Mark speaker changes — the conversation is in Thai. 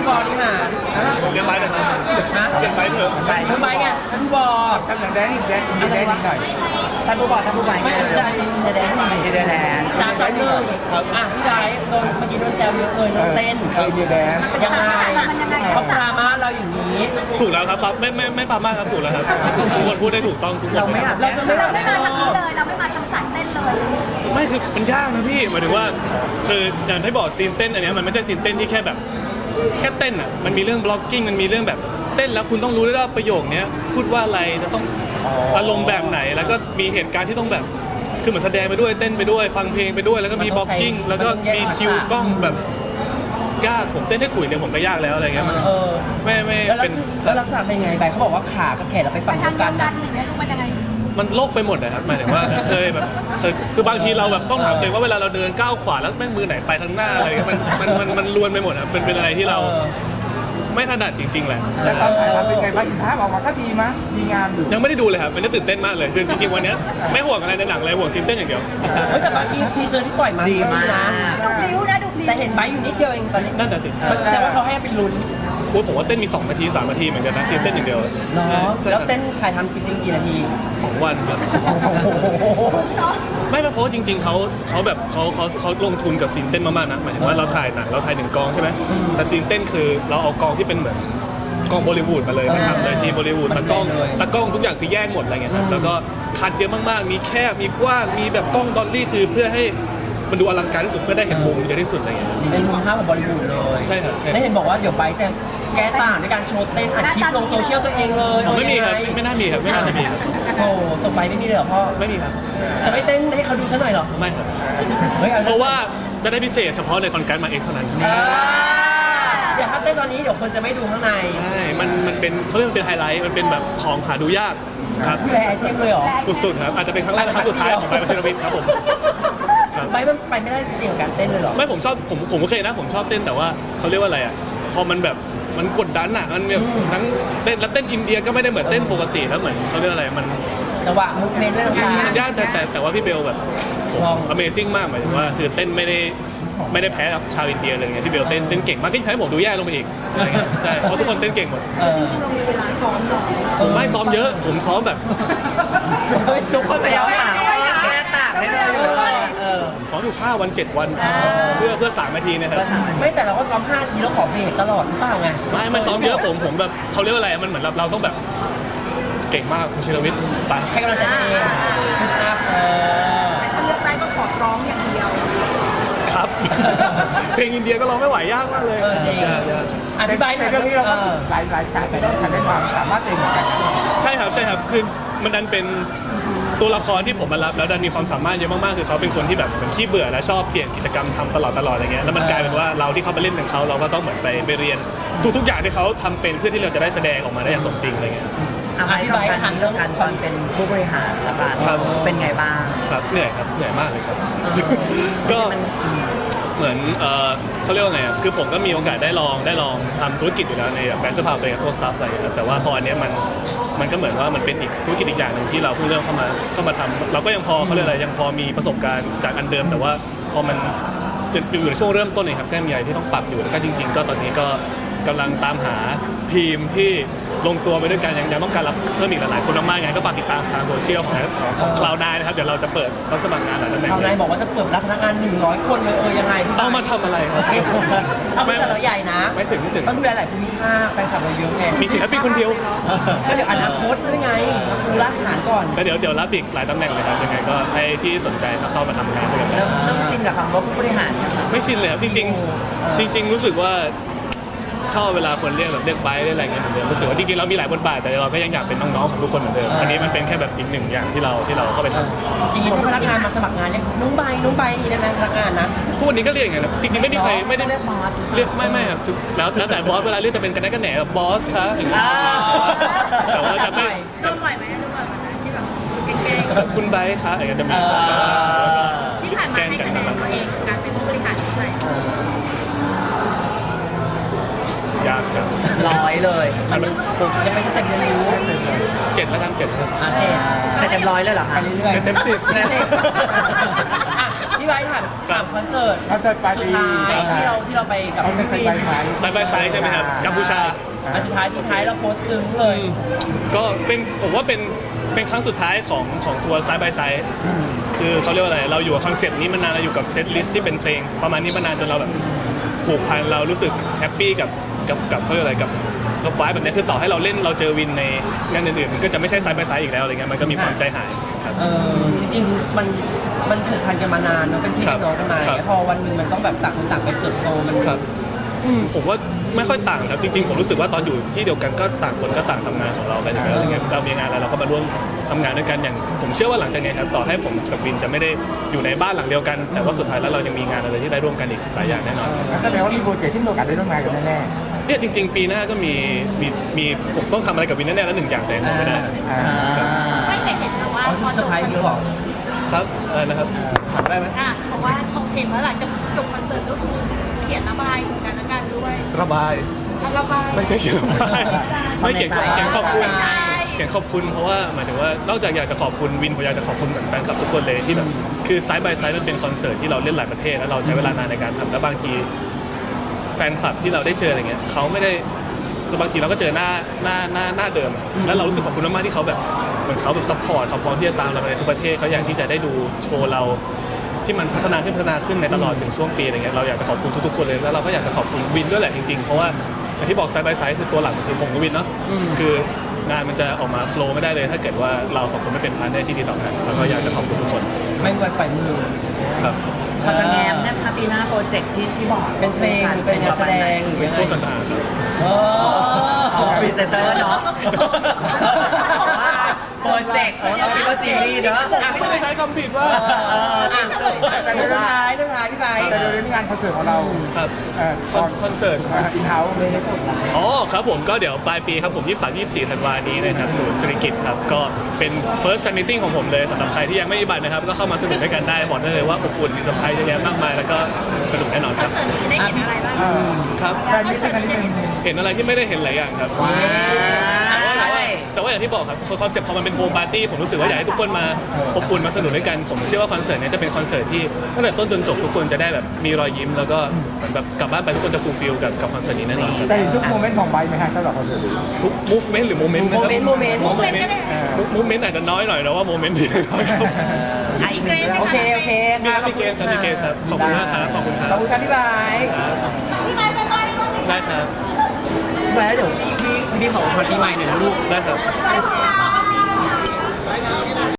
Speaker 1: บริหาร
Speaker 2: เรียนไปเลยครับ
Speaker 1: นะ
Speaker 2: เรียนไปเถอะ
Speaker 1: ผู้ใบไงผู้บอ
Speaker 3: ทำอย่างแดนอีกหน่อยท่านผู้บอกท่านผู้ใหม่
Speaker 1: ไม่ได้แดงไม่
Speaker 3: อินเดียแดน
Speaker 1: สามสองหนึ่งอ่ะพี่ไดโดนเมื่อกี้โดนแซวเยอะเลยน้องเต้น
Speaker 3: อินเดียแดน
Speaker 1: ยังไงเขาปรามาเราอย่างนี้
Speaker 2: ถูกแล้วครับปั๊บไม่ปั๊บมากครับถูกแล้วครับทุกคนพูดได้ถูกต้องทุกคน
Speaker 1: เราจะไม่
Speaker 4: เรา
Speaker 1: ได้
Speaker 4: ไม่มาทางนี้เลยเราไม่มาทางสายเต้นเลย
Speaker 2: ไม่คือมันยากนะพี่หมายถึงว่าคืออย่างที่บอกซีนเต้นอันเนี้ยมันไม่ใช่ซีนเต้นที่แค่แบบแค่เต้นอ่ะมันมีเรื่องบล็อกกิ้งมันมีเรื่องแบบเต้นแล้วคุณต้องรู้ด้วยว่าประโยคเนี้ยพูดว่าอะไรจะต้องอารมณ์แบบไหนแล้วก็มีเหตุการณ์ที่ต้องแบบคือเหมือนแสดงไปด้วยเต้นไปด้วยฟังเพลงไปด้วยแล้วก็มีบล็อกกิ้งแล้วก็มีคิวกล้องแบบยากผมเต้นได้ถุยเนี่ยผมก็ยากแล้วอะไรเงี้ยมันไม่
Speaker 1: แล้ว
Speaker 2: เป็น
Speaker 1: ลักษณะเป็นไงไปเขาบอกว่าขากับแขนเราไปฝั่ง
Speaker 4: ทา
Speaker 1: เดี
Speaker 4: ง
Speaker 1: ยว
Speaker 4: เดี
Speaker 1: กั
Speaker 4: ย
Speaker 1: น
Speaker 4: วกั
Speaker 1: นะ
Speaker 4: นหรือไม่รู้มันยังไง
Speaker 2: มันโลกไปหมดเลยครับหมายถึงว่าเคยแบบคือบางทีเราแบบต้องถามตัวเองว่าเวลาเราเดินก้าวขวาแล้วแม่งมือไหนไปทางหน้าอะไรมันลวนไปหมดครับเป็นอะไรที่เราไม่ถนัดจริงๆแหละ
Speaker 3: แต่ตอนถ่ายทำเป็นไงบ้างภาพออกมาก็ดีมั้ยดีงามอยู่
Speaker 2: ยังไม่ได้ดูเลยครับมันน่าตื่นเต้นมากเลยคือจริงๆวันนี้ไม่ห่วงอะไรในหนังเลยห่วงซีนเต้นอย่างเดียว
Speaker 1: เฮ้ยแต่บางทีเซอร์ที่ปล่อยมาดีมากนะ
Speaker 4: ดูพลิ้วนะดูพลิ้ว
Speaker 1: แต่เห็นไบอยู่นิดเดียวเองตอนนี้
Speaker 2: นั่นแต่สิ
Speaker 1: แต่ว่าเขาให้เป็นลุ้น
Speaker 2: โอ้ยผมว่าเต้นมี2 นาที 3 นาทีเหมือนกันนะซีนเต้นอย่างเดียว
Speaker 1: เนาะ
Speaker 2: ใช่
Speaker 1: แล้วเต้นถ่ายทำจริงๆกี่นาที
Speaker 2: 2 วันครับไม่เพราะว่าจริงๆเขาแบบเขาลงทุนกับซีนเต้นมากๆนะหมายถึงว่าเราถ่ายหนังเราถ่าย1 กองใช่ไหมแต่ซีนเต้นคือเราเอากองที่เป็นเหมือนกองบอลิวูดมาเลยนะครับเลยทีมบอลิวูดตากล้องทุกอย่างคือแยกหมดอะไรเงี้ยครับแล้วก็คัดเยอะมากๆมีแคบมีกว้างมีแบบกล้องดอลลี่คือเพื่อให้มันดูอลังการที่สุดเพื่อได้เห็นมุมเยอะที่สุดอะไรเงี้ย
Speaker 1: เป็นมุมภาพแบบบอลิวูดเลย
Speaker 2: ใช่ครับใช่
Speaker 1: แล้วเห็นบอกว่าเดี๋ยวไบจะแก้ต่างในการโชว์เต้นอัดคลิปลงโซเชียลตัวเองเลย
Speaker 2: ไม่มีครับไม่น่ามีครับไม่น่าจะมีครับ
Speaker 1: โอ้ส่งไปไม่มีเลยเหรอพ่อ
Speaker 2: ไม่มีครับ
Speaker 1: จะไม่เต้นให้เขาดูซะหน่อยเหรอ
Speaker 2: ไม่ครับ
Speaker 1: เฮ้ย
Speaker 2: เพราะว่าจะได้พิเศษเฉพาะในคอนแกรสมาเอ็กเท่านั้น
Speaker 1: เดี๋ยวถ้าเต้นตอนนี้เดี๋ยวคนจะไม่ดูข้างใน
Speaker 2: ใช่มันเป็นเขาเรียกมันเป็นไฮไลท์มันเป็นแบบของหาดูยากครับ
Speaker 1: แรไอเทมเลยเหรอ
Speaker 2: สุดๆครับอาจจะเป็นครั้งแรกและครั้งสุดท้ายของไบร์ทวัชรวิทย์ครับผมครับ
Speaker 1: ไบมันไปไม่ได้จริงกับการเต้นเลยเหรอ
Speaker 2: ไม่ผมชอบผมโอเคนะผมชอบเต้นแต่ว่าเขาเรียกว่าอะไรอ่ะพอมันแบบมันกดดันอ่ะมันแบบทั้งเต้นแล้วเต้นอินเดียก็ไม่ได้เหมือนเต้นปกติแล้วเหมือนเขาเรียกอะไรมัน
Speaker 1: จังหวะมูฟเมนต์อะไรต่าง
Speaker 2: มันยากแต่ว่าพี่เบลแบบAmazing มากหมายถึงว่าคือเต้นไม่ได้แพ้กับชาวอินเดียเลยไงพี่เบลเต้นเก่งมากที่ทำให้ผมดูแย่ลงไปอีกอะไรเงี้ยใช่เพราะทุกคนเต้นเก่งหมด
Speaker 4: เรามีเวลาซ้อมหน่อย
Speaker 2: ผมไม่ซ้อมเยอะผมซ้อมแบบ
Speaker 1: ทุกคนไปเอาหา
Speaker 4: แก้ต่างได้เลย
Speaker 2: ผมซ้อมอยู่5 วัน 7 วันเพื่อ3 นาทีนะครับ
Speaker 1: ไม่แต่เราก็ซ้อม5 ทีแล้วขอเบรกตลอดหรือเปล่าไง
Speaker 2: ไม่ซ้อมเยอะผมแบบเขาเรียกว่าอะไรมันเหมือนเราต้องแบบเก่งมากคุณชิรวิทย์ไป
Speaker 1: ให้กำลังใจตัวเองพุชอัพ
Speaker 4: แต่ถ้าเลือกได้ก็ขอร้องอย่างเดียว
Speaker 2: ครับ เพลงอินเดียก็ร้องไม่ไหวยากมากเลย
Speaker 1: จริงอธิบายหน่อย
Speaker 3: เรื่องนี้เราก็หลายฉากแต่ต้องทำได้ความสามารถเองเหมือนกัน
Speaker 2: ใช่ครับคือมันดันเป็นตัวละครที่ผมมารับแล้วดันมีความสามารถเยอะมากๆคือเขาเป็นคนที่แบบเหมือนขี้เบื่อและชอบเปลี่ยนกิจกรรมทำตลอดอะไรเงี้ยแล้วมันกลายเป็นว่าเราที่เขาไปเล่นกับเขาเราก็ต้องเหมือนไปเรียนทุกอย่างที่เขาทำเป็นเพื่อที่เราจะได้แสดงออกมาได้อย่างสมจริงอะไรเงี้ย
Speaker 1: อธิบายทันเรื่องการความเป็นผู้บริหารละกันเป็นไงบ้าง
Speaker 2: ครับเหนื่อยมากเลยครับก็เหมือนเขาเรียกว่าไงอ่ะคือผมก็มีโอกาสได้ลองทำธุรกิจอยู่แล้วในแบบแบรนด์เสื้อผ้าตัวเองตัวสตาฟอะไรอย่างเงี้ยแต่ว่าพออันเนี้ยมันก็เหมือนว่ามันเป็นอีกธุรกิจอีกอย่างหนึ่งที่เราเพิ่งเริ่มเข้ามาทำเราก็ยังพอเขาเรียกอะไรยังพอมีประสบการณ์จากอันเดิมแต่ว่าพอมันอยู่ในช่วงเริ่มต้นเนี่ยครับก็มีอะไรที่ต้องปรับอยู่แล้วก็จริงๆก็ตอนนี้ก็กำลังตามหาทีมที่ลงตัวไปด้วยกันยังต้องการรับเพิ่มอีกหลายๆคนมากๆไงก็ฝากติดตามทางโซเชียลของ Cloud9 นะครับเดี๋ยวเราจะเปิดรับสมัครงานหลายตำแหน่ง
Speaker 1: Cloud9 บอกว่าจะเปิดรับพนักงาน100 คนเลยยังไง
Speaker 2: เอามาทำอะไรครับ
Speaker 1: เอาบริษัทเราใหญ่นะ
Speaker 2: ไม่ถึง
Speaker 1: ต้องดูแลหลายภูมิภาคแฟนคลับเราเยอะไง
Speaker 2: มีศิลปินคนเดียว
Speaker 1: ก็เดี๋ยวอนาคตด้วยไงเราดูรากฐานก่อน
Speaker 2: ก็เดี๋ยวรับอีกหลายตำแหน่งเลยครับยังไงก็ให้ที่สนใจเข้ามาทำงานด้วยกัน
Speaker 1: เริ่มชินกับคำว่าผู้บริหาร
Speaker 2: ไม่ชินเลยครับจริงรู้สึกว่าชอบเวลาคนเรียกแบบเรียกไบค์เรียกอะไรเงี้ยเหมือนเดิมรู้สึกว่าจริงๆเรามีหลายบทบาทแต่เราก็ยังอยากเป็นน้องๆของทุกคนเหมือนเดิมอันนี้มันเป็นแค่แบบอีกหนึ่งอย่างที่เราเข้าไปทำ
Speaker 1: จริงๆถ้าพนักงานมาสมัครงานเรียกน้องใบได้ไหมพนักงานนะ
Speaker 2: ทุกวันนี้ก็เรียกอย่างนั้นนะจริงๆไม่มีใครไม่ได้เรียกบอสเรียกไม่ครับแล้วแต่บอสเวลาเรียกจะเป็นกันแน่กันแหนแบบบอสครับอย่างเงี้ยแต่ว่าจะไม่
Speaker 4: โดนบ่อยไหมที่แบบเก่ง
Speaker 2: คุณไบค์ครับอย่างเงี้ยจะมี
Speaker 4: ๆที่ผ่านมาให้คะแนนตัวเองการเป็นผู้บริหารเท่าไหร่
Speaker 2: ยากจัง
Speaker 1: 100เลยยังไม่สเต็ปเรียนรู้
Speaker 2: 7แล้วกัน7ครับ
Speaker 1: เจ็ดเต็ม100เลยเหรอคะไปเรื่อย
Speaker 2: 7 เต็ม 10
Speaker 1: อ่ะพี่ใบไบร์ทถามคอนเสิร์ต
Speaker 3: เขาจะปาร์
Speaker 1: สุด
Speaker 3: ตี้
Speaker 1: ท้ายที่เราไปกับ
Speaker 3: เขาเป็น
Speaker 1: พี่
Speaker 3: ไซ
Speaker 1: วิน
Speaker 3: ส์ไหม
Speaker 2: ไซด์บายไซด์ใช่ไหมครับกัมพูชา
Speaker 1: อันสุดท้ายที่ท้ายเราโพสต์ซึ้งเลย
Speaker 2: ก็เป็นผมว่าเป็นครั้งสุดท้ายของทัวร์ไซด์บายไซด์คือเขาเรียกว่าอะไรเราอยู่กับคอนเซปต์นี้มานานเราอยู่กับเซตลิสต์ที่เป็นเพลงประมาณนี้มานานจนเราแบบผูกพันเรารู้สึกแฮปปี้กับเขาเรียกอะไรกับไฟล์แบบนี้คือต่อให้เราเล่นเราเจอวินในงานอื่นๆมันก็จะไม่ใช่ไซด์บายไซด์อีกแล้วอะไรเงี้ยมันก็มีความใจหายครับ
Speaker 1: จริงๆมันผูกพันกันมานานเนาะเป็นพี่น้องกันมา
Speaker 2: ครับ
Speaker 1: พอวันหนึงมันต้องแบบต่างคนต่างไปเติบโตมัน
Speaker 2: ครับผมว่าไม่ค่อยต่างครับจริงๆผมรู้สึกว่าตอนอยู่ที่เดียวกันก็ต่างคนก็ต่างทำงานของเราไปอยู่แล้วอะไรเงี้ยเรามีงานอะไรเราก็มาร่วมทำงานด้วยกันอย่างผมเชื่อว่าหลังจากนี้ครับต่อให้ผมกับวินจะไม่ได้อยู่ในบ้านหลังเดียวกัน แต่ว่าสุดท้ายแล้วเรายังมีงานอะไรที่ได้ร่วมกันอีกหลายอย่างแน่นอน
Speaker 3: แสดงว่ามีโปรเจกต์ที่มีโอกาสได้ร่วมงานกันแน่
Speaker 2: เนี่ยจริงๆ ปีหน้าก็มีผมต้องทำอะไรกับวินแน่ๆแล้วหนึ่งอย่างแต่ยังบอกไม่ได้
Speaker 3: ๆอ่า
Speaker 4: ไม่แต่เห็นนะว่า
Speaker 1: เอา
Speaker 4: พ
Speaker 1: ที่
Speaker 4: อ
Speaker 1: เซอร์ไพรส์นี่บอก
Speaker 2: ครับอะไรนะครับทำได้ไหม
Speaker 4: เพราะว่าเขาเห็นว่าหลังจากจบคอนเสิร์ตก็คือเขียนระบายถึงกันและกันด้วย
Speaker 2: ระบาย
Speaker 4: ระบาย
Speaker 2: ไม่ใช่เขียนระบายไม่เขียนขอบคุณ
Speaker 4: ใช่
Speaker 2: เขียนขอบคุณเพราะว่าหมายถึงว่านอกจากอยากจะขอบคุณวินผมอยากจะขอบคุณเหมือนแฟนคลับทุกคนเลยที่แบบคือไซด์บายไซด์มันเป็นคอนเสิร์ตที่เราเล่นหลายประเทศแล้วเราใช้เวลานานในการทำแล้วบางทีแฟนคลับที่เราได้เจออะไรเงี้ยเขาไม่ได้บางทีเราก็เจอหน้าเดิมอะแล้วเรารู้สึกขอบคุณมากๆที่เขาแบบเหมือนเขาแบบซัพพอร์ตเขาพร้อมที่จะตามเราไปในทุกประเทศเขาอยากที่จะได้ดูโชว์เราที่มันพัฒนาขึ้นในตลอด1ช่วงปีอะไรเงี้ยเราอยากจะขอบคุณทุกๆคนเลยแล้วเราก็อยากจะขอบคุณวินด้วยแหละจริงๆเพราะว่าอย่างที่บอกไซด์บายไซด์คือตัวหลักคือผมกับวินเนาะคืองานมันจะออกมาโฟล์ไม่ได้เลยถ้าเกิดว่าเราสองคนไม่เป็นพาร์ทเนอร์ที่ดีต่อกันแล้วก็อยากจะขอบคุณทุกคน
Speaker 1: ไม่ควรปล่อยมือ
Speaker 2: ครับ
Speaker 1: พอจะแง้มนะคะปีหน้าโปรเจกต์ที่บอกเป็นเพลงหรือเป็นงานแสดงหรือ
Speaker 2: เป็
Speaker 1: เป็น น
Speaker 2: โฆษณาครับ
Speaker 1: พรีเซนเตอร์เนาะโปรเจกต์เราคิดว่าซีรีส์เนาะ
Speaker 2: ไม่ได้ใช้คำผิดว่า
Speaker 1: แต่สุดท้ายพี่ไบร์ท
Speaker 3: แต่โดยงานคอนเสิร์ตของเรา
Speaker 2: ครับ
Speaker 3: ตอน
Speaker 2: คอนเสิร์ต
Speaker 3: อินเฮ้าส์ไม่ได้จบละ
Speaker 2: อ๋อครับผมก็เดี๋ยวปลายปีครับผม 23-24 ธันวานี้นะครับศูนย์เศรษฐกิจครับก็เป็น first fan meeting ของผมเลยสำหรับใครที่ยังไม่มีบัตรนะครับก็เข้ามาสนุกด้วยกันได้บอกได้เลยว่าอบอุ่นมีเซอร์ไพรส์เยอะแยะมากมายแล้วก็สนุกแน่นอน
Speaker 4: ค
Speaker 2: ค
Speaker 4: อ
Speaker 2: รั
Speaker 4: น
Speaker 2: บ
Speaker 4: เสิร์ตนี้ได้เห็นอะไรบ้าง
Speaker 2: ครับ
Speaker 3: แฟนมิตติ้งครั้งนี้เป็น
Speaker 2: เห็นอะไรที่ไม่ได้เห็นหลายอย่างครับแต่ว่าอย่างที่บอกครับคอนเซ็ปต์พอมันเป็นโฮมปาร์ตี้ผมรู้สึกว่าอยากให้ทุกคนมาอบอุ่นมาสนุกด้วยกันผมเชื่อว่าคอนเสิร์ตนี้จะเป็นคอนเสิร์ตที่ตั้งแต่ต้นจนจบทุกคนจะได้แบบมีรอยยิ้มแล้วก็เหมือนแบบกลับบ้านไปทุกคนจะฟูลฟิลกับคอนเสิร์ตนี้แน่นอนครับ
Speaker 3: แต่เห็นทุกโมเมนต์ของไบค์ไหมฮะสำหรับคอนเสิร์ตนี้
Speaker 2: ทุก movement หรือ moment นะครับ
Speaker 1: Moment
Speaker 2: movement อาจจะน้อยหน่อยแต่ว่า moment ดีน้อยครับ
Speaker 1: โอเค
Speaker 2: มีครับมีเกมครับขอบคุณมากครับขอบคุณครับ
Speaker 1: ขอบคุณครับพี่ไบร์ท
Speaker 4: พี่ไม้เป็นอะไรบ้าง
Speaker 2: ได้ครับ
Speaker 1: พี่ไบร์ทเดี๋ยวพี่ขอคนปีใหม่หน่อยนะลูก
Speaker 2: ได้ครับ
Speaker 4: พี่ไม้